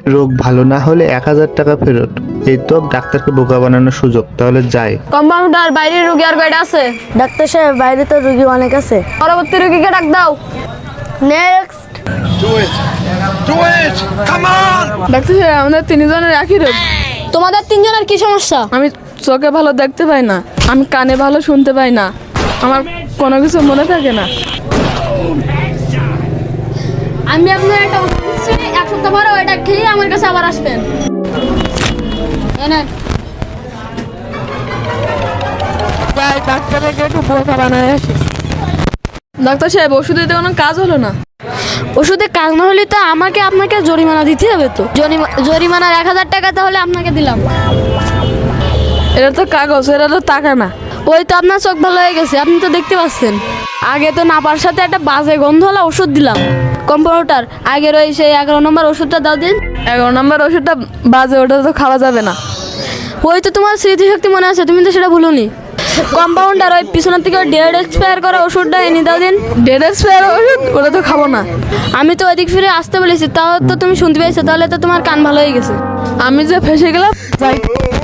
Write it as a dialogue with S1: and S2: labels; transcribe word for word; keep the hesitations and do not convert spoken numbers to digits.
S1: রোগ ভালো না হলে এক হাজার টাকা ফেরত। এই তো ডাক্তারকে বোকা বানানোর সুযোগ। তাহলে যাই।
S2: কম্পাউন্ডার, বাইরে রোগী আর কয়টা আছে?
S3: ডাক্তার সাহেব, বাইরে তো রোগী অনেক আছে।
S2: পরবর্তী রোগীকে ডাক দাও।
S3: নেক্সট।
S2: ডাক্তার সাহেব, আমাদের তিনজনের একই রোগ। তোমাদের তিনজনের কি সমস্যা? আমি চোখে ভালো দেখতে পাই না, আমি কানে ভালো শুনতে পাই না, আমার কোনো কিছু মনে থাকে না। আমি আপনার একটা ওষুধ দিচ্ছি, এক সপ্তাহ পরে ওইটা খেয়ে আমার কাছে আবার আসবেন। ডাক্তার সাহেব, ওষুধ দিতে কোনো কাজ হলো না। ওষুধে কাজ না হলে তো আমাকে আপনাকে জরিমানা দিতে হবে। তো জরিমা- জরিমানার এক হাজার টাকা তাহলে আপনাকে দিলাম। এটা তো কাগজ, এটা তো টাকা না। ওই তো আপনার চোখ ভালো হয়ে গেছে, আপনি তো দেখতে পাচ্ছেন। আগে তো নাপার সাথে একটা বাজে গন্ধ হলো ওষুধ দিলাম। কম্পাউন্ডার, আগের ওই সেই এগারো নম্বর ওষুধটা দাও দিন। এগারো নম্বর ওষুধটা বাজে, ওটা তো খাওয়া যাবে না। ওই তো তোমার স্মৃতিশক্তি মনে আছে, তুমি তো সেটা ভুলোনি। কম্পাউন্ডার, ওই পিছনের থেকে ডেড এক্সপায়ার করা ওষুধটা এনে দাও দিন। ডেড এক্সপায়ার ওষুধ, ওটা তো খাবো না। আমি তো ওইদিক ফিরে আসতে বলেছি, তাও তো তুমি শুনতে পেয়েছো, তাহলে তো তোমার কান ভালো হয়ে গেছে। আমি যে ফেসে গেলাম, যাই।